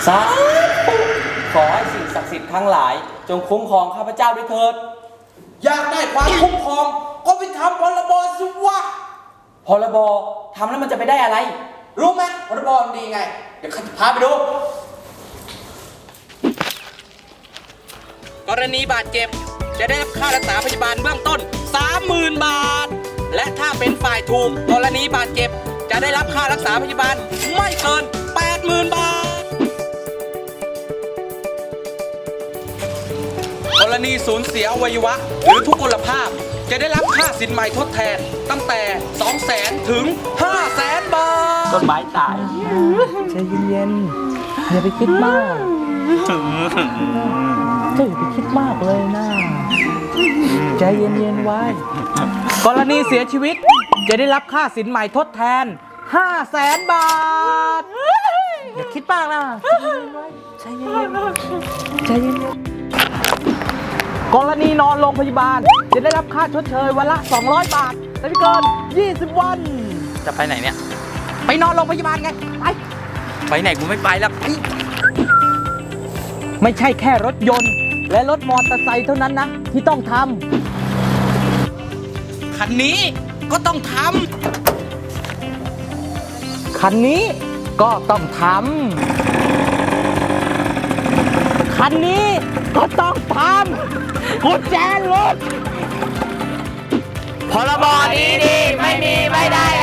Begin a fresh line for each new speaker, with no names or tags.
สาธุขอให้สิ่งศักดิ์สิทธิ์ทั้งหลายจงคุ้มครองข้าพเจ้าด้วยเถิด
อยากได้ความคุ้มครองก็ไปทำพรบสิวะ
พรบทำแล้วมันจะไปได้อะไร
รู้ไหมพรบมันดีไงเดี๋ยวข้าจะพาไปดู
กรณีบาดเจ็บจะได้รับค่ารักษาพยาบาลเบื้องต้น 30,000 บาทและถ้าเป็นฝ่ายถูกกรณีบาดเจ็บจะได้รับค่ารักษาพยาบาลไม่เกิน 80,000 บาทกรณีสูญเสียอวัยวะหรือทุกพลภาพจะได้รับค่าสินใหม่ทดแทนตั้งแต่ 200,000 ถึง 500,000 บาท
ต้นไม้ตายใจเย็นๆอย่าไปคิดมากอย่าไปคิดมากเลยนะใจเย็นๆไว้กรณีเสียชีวิตจะได้รับค่าสินใหม่ทดแทน 500,000 บาทอย่าคิดมากนะใจเย็นๆใจเย็นๆกรณีนอนโรงพยาบาลจะได้รับค่าชดเชยวันละ200 บาทแต่ไม่เกิน20 วันจะไปไหนเนี่ยไปนอนโรงพยาบาลไงไปไหนกูไม่ไปแล้วไม่ใช่แค่รถยนต์และรถมอเตอร์ไซค์เท่านั้นนะที่ต้องทำ
คันนี้ก็ต้องท
ำคันนี้ก็ต้องทำคันนี้ก็ต้องทำกุญแจรถ
พรบดีๆไม่มีไม่ได้